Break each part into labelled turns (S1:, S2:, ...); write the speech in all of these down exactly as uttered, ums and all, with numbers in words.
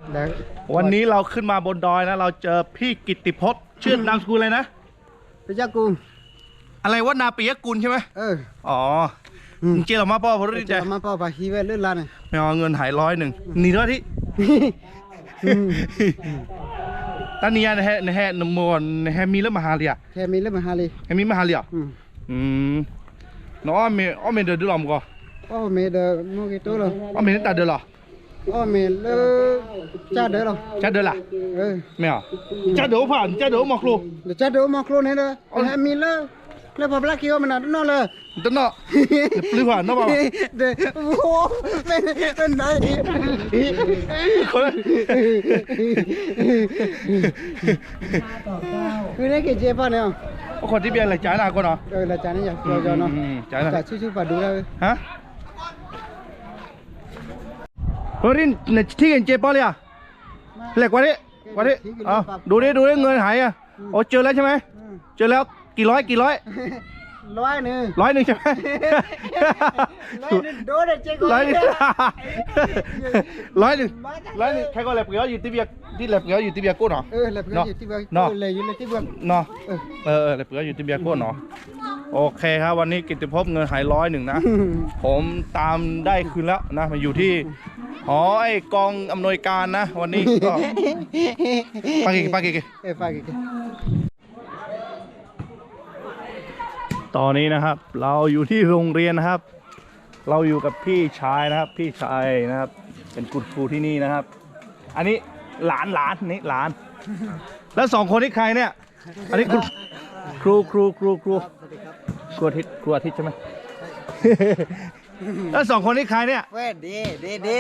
S1: วันนี้เราขึ้นมาบนดอยนะเราเจอพี่กิตติพจน์ชื่อนามสกุลอะไรนะ
S2: ปิยกุล
S1: อะไรวะนาปิยกุลใช่ไหมเอออ๋อเจเรามาป้อพอรู้ใจ
S2: มาป้อปาฮีเวลื่นลาน
S1: ไม่เอาเงินหายร้อยหนึ่งหนีด้วยที่ตอนนี้นะฮะนะฮะนมวนนะฮะมีเรื่องมหาเลีย
S2: แค่มีเรื่องมหาเลีย
S1: แค่มีมหาเลียอืมน้องเมย์อ๋อเมย์เดือดร้อนมั้งก็
S2: อ๋อเมย์เดือดมั้งกี่ตัวเลย
S1: อ๋อเมย์ตัดเดือดหรอ
S2: อ๋อเมย์เลือจ้าเดือดหรอ
S1: จ้าเดือดล่ะเออไม่เอาจ้าเดือดผ่านจ้าเดือดมากรู
S2: จ้าเดือดมากรูเนี่ยเลยแค่มีเลือแล้วพอปลาคิวมันน่ะนั่นเลย
S1: ตั้งเนาะหรือผ่านเนาะป่าว
S2: เดี๋ยวโอ้โหเป็นเป็นไหน
S1: คน
S2: คือได้กี่เจ็บป่ะเนี่ย
S1: คนที่เบียร์อะไรจ่ายหน้าก่อนเนาะ
S2: เอออะไรจ่ายนี่อย่างเดียวเนาะ
S1: จ่ายหน้า
S2: จ่ายชื่อๆปัดดูแล้ว
S1: ฮะโรดินเนี่ยที่เห็นเจ็บป่ะเลยอ่ะเหล็กกว่านี้กว่านี้อ๋อดูดิดูดิเงินหายอ่ะโอ้เจอแล้วใช่ไหมเจอแล้วกี่ร้อยกี่ร้อย
S2: ร้อยหนึ่ง
S1: ร้อยหนึ่งใช่ไหม
S2: ร้อยหนึ่งโดนเจ๊ก
S1: ร้อยหนึ่งร้อยหนึ่งร้อยหนึ่งใครก็แหลบเกลียวอยู่ที่เบียร์ที่แหลบเกลียวอยู่ที่เบียร์กู้เนาะ
S2: เออแหลบเกลียวอยู่ที่เบียร์เนาะเลยอยู่ในที่เบียร์
S1: เนาะเออเออแหลบเกลียวอยู่ที่เบียร์กู้เนาะโอเคครับวันนี้กิตติภพเงินหายร้อยหนึ่งนะผมตามได้คืนแล้วนะมาอยู่ที่หอไอกองอำนวยการนะวันนี้ก็ปากิปากิ
S2: เออปากิ
S1: ตอนนี้นะครับเราอยู่ที่โรงเรียนนะครับเราอยู่กับพี่ชายนะครับพี่ชายนะครับเป็นคุณครูที่นี่นะครับอันนี้หลานหลานนี่หลานแล้วสองคนนี้ใครเนี่ยอันนี้ครูครูครูครูครูอาทิตย์ครูอาทิตย์ใช่ไหมแล้วสองคนนี้ใครเนี่ย
S2: เว้ยดีดีดี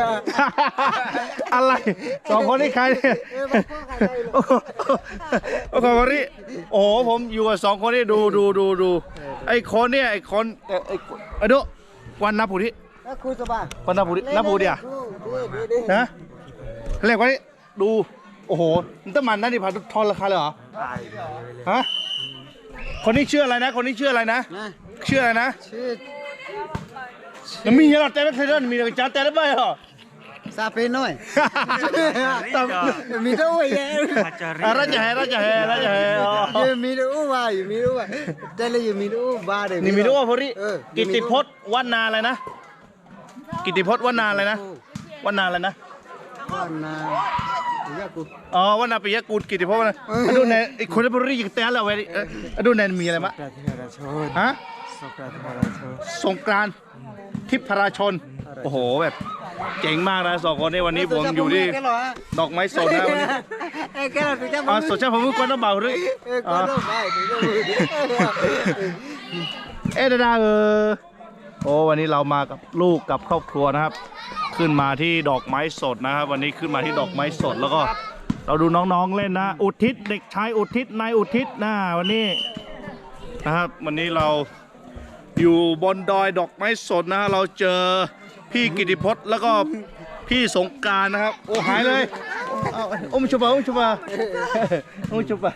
S1: อะไรสองคนนี้ใครเนี่ยโอ้โหโอ้โหคนนี้โอ้โหผมอยู่กับสองคนนี้ดูดูดูดูไอ้คนเนี่ยไอ้คนไอ้ไอ้ดูวันนับผู้ที่
S2: ครูสบาย
S1: วันนับผู้ที่นับผู้เดียวนะเรียกว่านี่ดูโอ้โหมันต้องมันนั่นดิพาทอนราคาเลยเหรอฮะคนนี้ชื่ออะไรนะคนนี้ชื่ออะไรนะชื่ออะไรนะชื่อมีเหรอแต่ไม่เคยเล่นมีแต่จ้าแต่ได้ไหมเหรอ
S2: ซาเปน้อยมีตัวใหญ่
S1: ราชาราชาราชาราชา
S2: มีตัวว่าอยู่มีตัวว่าแต่เลยอยู่มีตัวบ้าเลย
S1: นี่มีตัวว่าพอดีกิตติพจน์วันนาอะไรนะกิตติพจน์วันนาอะไรนะวันนาอะไรนะ
S2: วันนาปิยกุล
S1: อ๋อวันนาปิยกุลกิตติพจน์วันดูในไอ้คนที่พอดีอย่างแต่ละเว้ยดูในมีอะไรมั้ยฮะสงกรานต์ทิพย์พระราชนโอ้โหแบบเจ๋งมากนะสองคนนี้วันนี้ผมอยู่ที่ดอกไม้สดนะวันนี้อ๋อสดใช่ผมก็ต้องเบาด้วยเอ๊ะดาเออโอ้วันนี้เรามากับลูกกับครอบครัวนะครับขึ้นมาที่ดอกไม้สดนะครับวันนี้ขึ้นมาที่ดอกไม้สดแล้วก็เราดูน้องๆเล่นนะอุทิศเด็กชายอุทิศนายอุทิศนะวันนี้นะครับวันนี้เราอยู่บนดอยดอกไม้สดนะเราเจอพี่กิตติพจน์แล้วก็พี่สงกรานต์นะครับโอ้หายเลยโอ้มชุบะโอ้มชุบะโอ้มชุบะ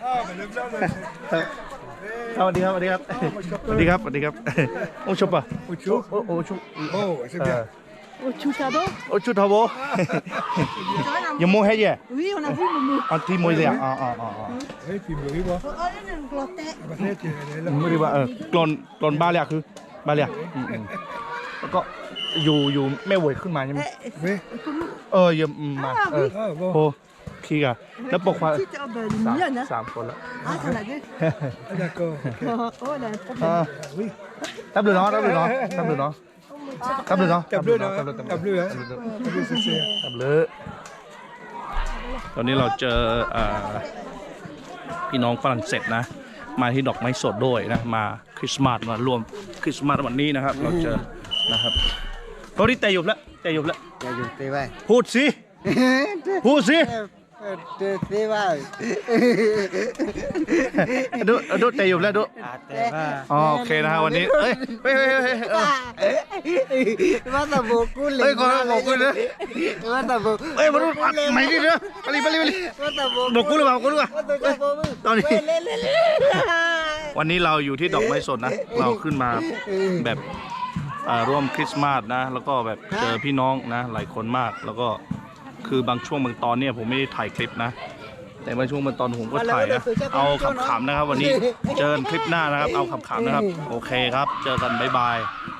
S1: สวัสดีครับสวัสดีครับสวัสดีครับสวัสดีครับโอ้ชุบะโอ้ชุบโอ้ชุบโอ้c'est bien
S3: Au Chutabo
S1: Au Chutabo Il y a mon haie
S3: Oui, on a vu Momo.
S1: Un petit moïse. Ah ah ah ah.
S4: Oui, puis Moriba.
S3: Oh, il y a une glotte.
S1: Moriba เออกลอนกลอนบาเลียคือบาเลียแล้วก็อยู่อยู่แม่เวยขึ้นมาใช่ไหมเออยังมาเออโอ้ขี้อ่ะแล้วปกว่าสามคนแล้ว
S3: อ่ะt'en as deux
S4: D'accord.
S3: Oh, elle a un problème.
S4: Oui.
S1: Table bleu non, table bleu non, table bleu non. Table bleu non,
S4: table bleu non, table bleu hein. Table bleu c'est ça.
S1: Table bleu. ตอนนี้เราเจอพี่น้องฝรั่งเศสนะมาที่ดอกไม้สดด้วยนะมาคริสต์มาสมารวมคริสต์มาสวันนี้นะครับเราเจอนะครับตอนนี้แต่หยุดแล้วแต่หยุดแล้ว
S2: แต่หยุดเตะไป
S1: พูดสิพูดสิ
S2: เตะเตะไป
S1: ดูดูแต่หยุดแล้วดูอ๋อโอเคนะฮะวันนี้เฮ้ยเฮ้ยเฮ้ยเฮ้ย
S2: มาตะโบกุลเลย
S1: เฮ้ยขอโบกุลเลย
S2: มาตะโบ
S1: เฮ้ยมาดูไม่ดีเลยไปเลยไปเลยไปเลยโบกุลหรือเปล่าโบกุลหรือเปล่าตอนนี้วันนี้เราอยู่ที่ดอกไม้สดนะเราขึ้นมาแบบร่วมคริสต์มาสนะแล้วก็แบบเจอพี่น้องนะหลายคนมากแล้วก็คือบางช่วงบางตอนเนี่ยผมไม่ได้ถ่ายคลิปนะ แต่บางช่วงบางตอนผมก็ถ่ายนะเอาขำๆนะครับ วันนี้เจอกันคลิปหน้านะครับ เอาขำๆนะครับ โอเคครับ เจอกันบ๊ายบาย